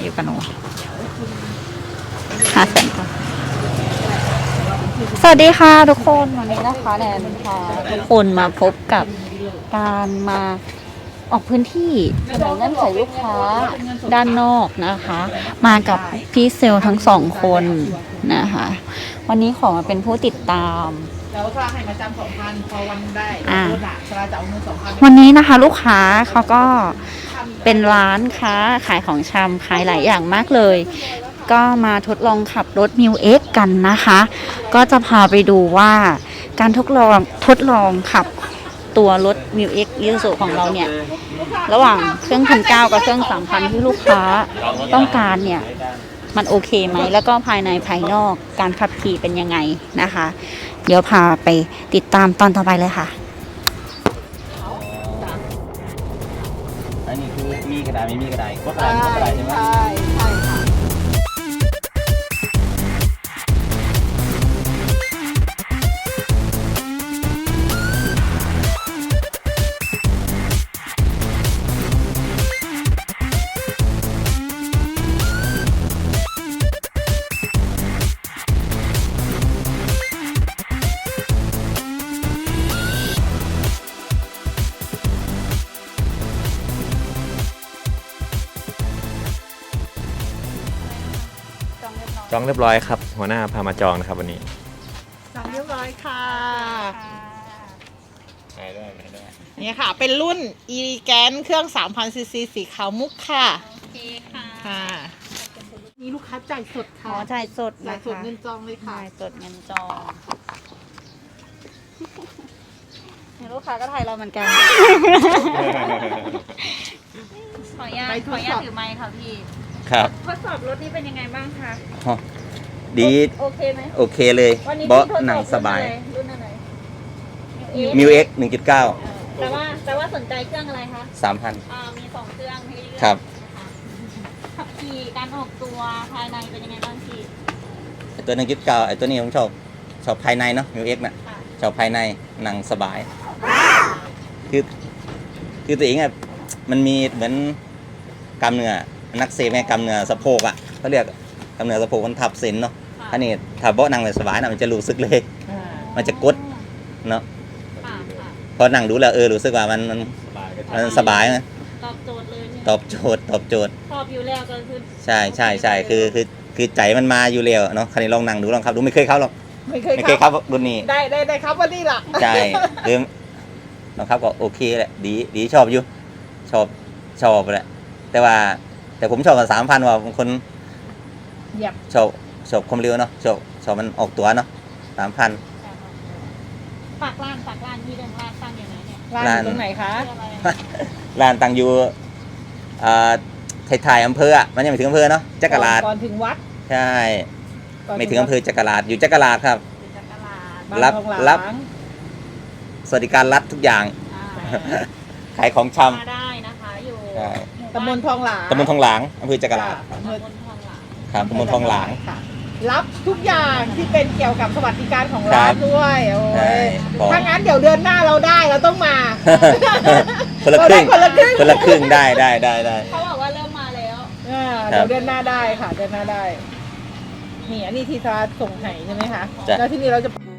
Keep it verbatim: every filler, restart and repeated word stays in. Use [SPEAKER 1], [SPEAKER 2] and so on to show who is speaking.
[SPEAKER 1] อยู่กับหนูห้าแสนค่ะสวัสดีค่ะทุกคนวันนี้นะคะแนนพาทุกคนมาพบกับการมาออกพื้นที่เสนอเงื่อนไขลูกค้าด้านนอกนะคะ มากับพี่เซลทั้งสองคนนะคะวันนี้ขอมาเป็นผู้ติดตาม
[SPEAKER 2] แล้วถ้าให้มาจำสองพันพอวันได้รถอะสลาจะเอาเงินสองพัน
[SPEAKER 1] วันนี้นะคะลูกค้าเขาก็เป็นร้านค้าขายของชำขายหลายอย่างมากเลยก็มาทดลองขับรถ มิว เอ็กซ์ กันนะคะก็จะพาไปดูว่าการทดลองทดลองขับตัวรถ มิว เอ็กซ์ Isuzu ของเราเนี่ยระหว่างเครื่องพันเก้ากับเครื่องสามพันที่ลูกค้าต้องการเนี่ยมันโอเคไหมแล้วก็ภายในภายนอกการขับขี่เป็นยังไงนะคะเดี๋ยวพาไปติดตามตอนต่อไปเลยค่ะ
[SPEAKER 3] อันนี้คือมีกระดาษไม่มีกระดาษก็กระดาษก็กระดาษใช่ไหม
[SPEAKER 2] ใช่ใช่ค่ะ
[SPEAKER 3] จองเรียบร้อยครับหัวหน้าพามาจองนะครับวันนี้
[SPEAKER 2] จองเรียบร้อยค่ะ
[SPEAKER 3] ไปด้วยไปด้วย
[SPEAKER 2] นี่ค่ะเป็นรุ่น อี แกน เครื่อง สามพัน ซี ซี สีขาวมุกค่ะ
[SPEAKER 1] โอเคค่ะ
[SPEAKER 2] ค่ะนี่ลูกค้าจ่ายสดค่ะ
[SPEAKER 1] อ๋อจ่ายสด
[SPEAKER 2] จ่ายสดเงินจองเลยค่ะ
[SPEAKER 1] จ่ายสดเงินจองลูกค้าก็ไทยเราเหมือนกันขออนุญาตขออนุญาตถือไมค์ค่ะพี่
[SPEAKER 3] ครับ
[SPEAKER 1] ทดสอบรถนี้เป็นยังไงบ้างคะ
[SPEAKER 3] ดี
[SPEAKER 1] โอเคไหม
[SPEAKER 3] โอเคเลยเบาะหนังสบาย
[SPEAKER 1] รุ่นอะไร
[SPEAKER 3] มิว เอ็กซ์ หนึ่งจุดเก้า
[SPEAKER 1] แต่ว่าแต่ว่าสนใจเครื่องอะไรคะ
[SPEAKER 3] สามพัน
[SPEAKER 1] อ่ามีสองเครื่องให้เลือก
[SPEAKER 3] ครับ
[SPEAKER 1] ขับขี่การออกตัวภายในเป็นยังไงบ้างพี่
[SPEAKER 3] ไอตัว หนึ่งจุดเก้า ไอตัวนี้ผมชอบชอบภายในเนาะ มิว เอ็กซ์ น่ะชอบภายในหนังสบายคือคือตัวเองอ่ะมันมีเหมือนกล้ามเนื้อนักเซแม่กำเนื้อสะโพกอ่ะเขาเรียกกำเนื้อสะโพกมันทับเส้นเนาะอันนี้ถ้าเบาะนั่งเลยสบายนะมันจะรู้สึกเลยมันจะกดเนาะพอนั่งดูแล้วเออรู้สึกว่ามันมันมันสบายนะ
[SPEAKER 1] ตอบโจทย์เลย
[SPEAKER 3] ตอบโจทย์ตอบโจทย์
[SPEAKER 1] ชอบอยู่แล้วก็คือ
[SPEAKER 3] ใช่ใช่ใช่คือคือคือใจมันมาอยู่แล้วเนาะคันนี้ลองนั่งดูลองขับดูไม่เคยเข้าหรอก
[SPEAKER 2] ไม่เคย
[SPEAKER 3] ไม่เคยเข้ารุ่นนี้
[SPEAKER 2] ได้ได้ได้ครับวันนี้ล่ะ
[SPEAKER 3] ใช่คือลองขับก็โอเคแหละดีดีชอบอยู่ชอบชอบแหละแต่ว่าแต่ผมชอบกับสามพันว่าบางคนชอบชอบความเร็วเนาะชอบชอบมันออกตัวเนาะสามพัน
[SPEAKER 1] ฝากร้านฝากร้านที่เดิมร้านตั้งอย่างไรเนี่ย
[SPEAKER 2] ร้านตรงไหนคะ
[SPEAKER 3] ร้านตั้งอยู่ไทยๆอำเภออ่ะมันยังไม่ถึงอำเภอเนาะจักราช
[SPEAKER 2] ก่อนถึงวัด
[SPEAKER 3] ใช่ไม่ถึงอำเภอจักราชอยู่จักราชครับ
[SPEAKER 2] รับ
[SPEAKER 3] รับสวัสดิการรัฐทุกอย่างขายของช
[SPEAKER 1] ำได้นะคะอยู่
[SPEAKER 2] ตำบลทองหลาง
[SPEAKER 3] ตำบลทองหลางอำเภอจักราช
[SPEAKER 1] ตำบลทองหลาง
[SPEAKER 3] ครับตำบลทองหลาง
[SPEAKER 2] รับทุกอย่างที่เป็นเกี่ยวกับสวัสดิการของร้านด้วยโอ้ยถ้างั้นเดี๋ยวเดือนหน้าเราได้เราต้องมา
[SPEAKER 3] คนละครึ่งคนละครึ่งคนละครึ่งได้ได้ได้ได้
[SPEAKER 1] เขาบอกว่าเริ่มมาแล้ว
[SPEAKER 2] เดี๋ยวเดือนหน้าได้ค่ะเดือนหน้าได้นี่อันนี้ทีซาส่งไห้ใช่ไหมคะแล้วที่นี่เราจะ